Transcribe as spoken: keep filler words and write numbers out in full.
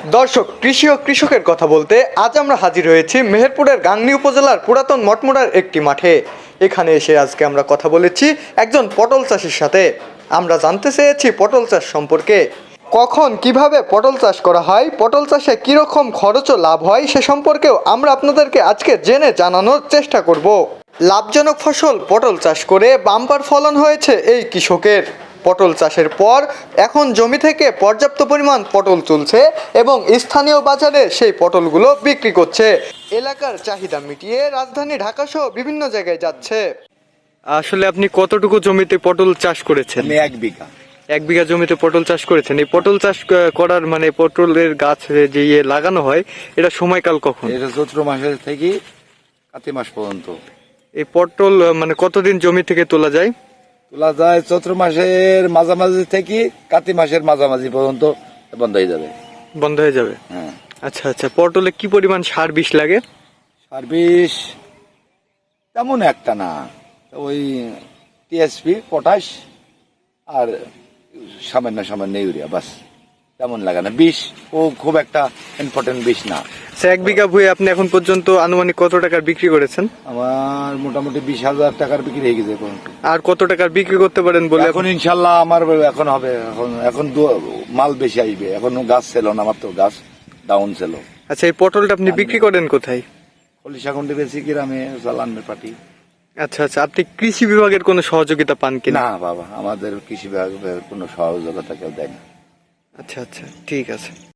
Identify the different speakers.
Speaker 1: দর্শক, কৃষি ও কৃষকের কথা বলতে আজ আমরা হাজির হয়েছি মেহেরপুরের গাংনী উপজেলার পুরাতন মঠমোড়ার একটি মাঠে। এখানে এসে আজকে আমরা কথা বলেছি একজন পটল চাষির সাথে। আমরা জানতে চেয়েছি পটল চাষ সম্পর্কে, কখন কিভাবে পটল চাষ করা হয়, পটল চাষে কীরকম খরচ ও লাভ হয় সে সম্পর্কেও আমরা আপনাদেরকে আজকে জেনে জানানোর চেষ্টা করব। লাভজনক ফসল পটল চাষ করে বাম্পার ফলন হয়েছে এই কৃষকের। পটল চাষের পর এখন জমি থেকে পর্যাপ্ত পরিমাণ পটল তুলছে এবং স্থানীয় বাজারে সেই পটলগুলো বিক্রি করছে। এলাকার চাহিদা মিটিয়ে রাজধানী ঢাকা সহ বিভিন্ন জায়গায় যাচ্ছে। আসলে আপনি কতটুকু জমিতে পটল চাষ করেছেন?
Speaker 2: আমি এক বিঘা
Speaker 1: এক বিঘা জমিতে পটল চাষ করেছেন। এই পটল চাষ করার মানে পটলের গাছ যে ইয়ে লাগানো হয়, এটা সময়কাল কখন?
Speaker 2: এটা চৈত্র মাসের থেকে কাতি মাস পর্যন্ত।
Speaker 1: এই পটল মানে কতদিন জমি থেকে তোলা যায়?
Speaker 2: তোলা যায় চৈত্র মাসের মাঝামাঝি থেকে কাতি মাসের মাঝামাঝি পর্যন্ত বন্ধ হয়ে যাবে।
Speaker 1: বন্ধ হয়ে যাবে।
Speaker 2: হ্যাঁ।
Speaker 1: আচ্ছা আচ্ছা, পটলে কি পরিমাণ সার বিষ লাগে?
Speaker 2: সার বিষ তেমন একটা না, ওই টিএসপি, পটাশ আর সামান্য সামান্য ইউরিয়া, বাস। তেমন লাগে না বিষ, ও খুব একটা ইম্পর্টেন্ট বিষ না।
Speaker 1: আচ্ছা, এক বিঘা ভুঁই আপনি এখন পর্যন্ত আনুমানিক কত টাকার বিক্রি করেছেন?
Speaker 2: আমার মোটামুটি বিশ হাজার টাকার বিক্রি হয়ে গেছে এখন।
Speaker 1: আর কত টাকার বিক্রি করতে পারেন বলে?
Speaker 2: এখন ইনশাল্লাহ আমার এখন হবে, এখন এখন দু- মাল বেশি আসবে। এখন গাছ ছিল না, আমার তো গাছ ডাউন ছিল।
Speaker 1: আচ্ছা, এই পটলটা আপনি বিক্রি করেন কোথায়?
Speaker 2: কলিশাকুন্ডি বেশি গ্রামে চালানের পার্টি।
Speaker 1: আচ্ছা আচ্ছা, আপনি কৃষি বিভাগের কোনো সহযোগিতা পান কিনা?
Speaker 2: না বাবা, আমাদের কৃষি বিভাগের কোনো সহযোগিতা কেউ দেয় না।
Speaker 1: আচ্ছা আচ্ছা, ঠিক আছে।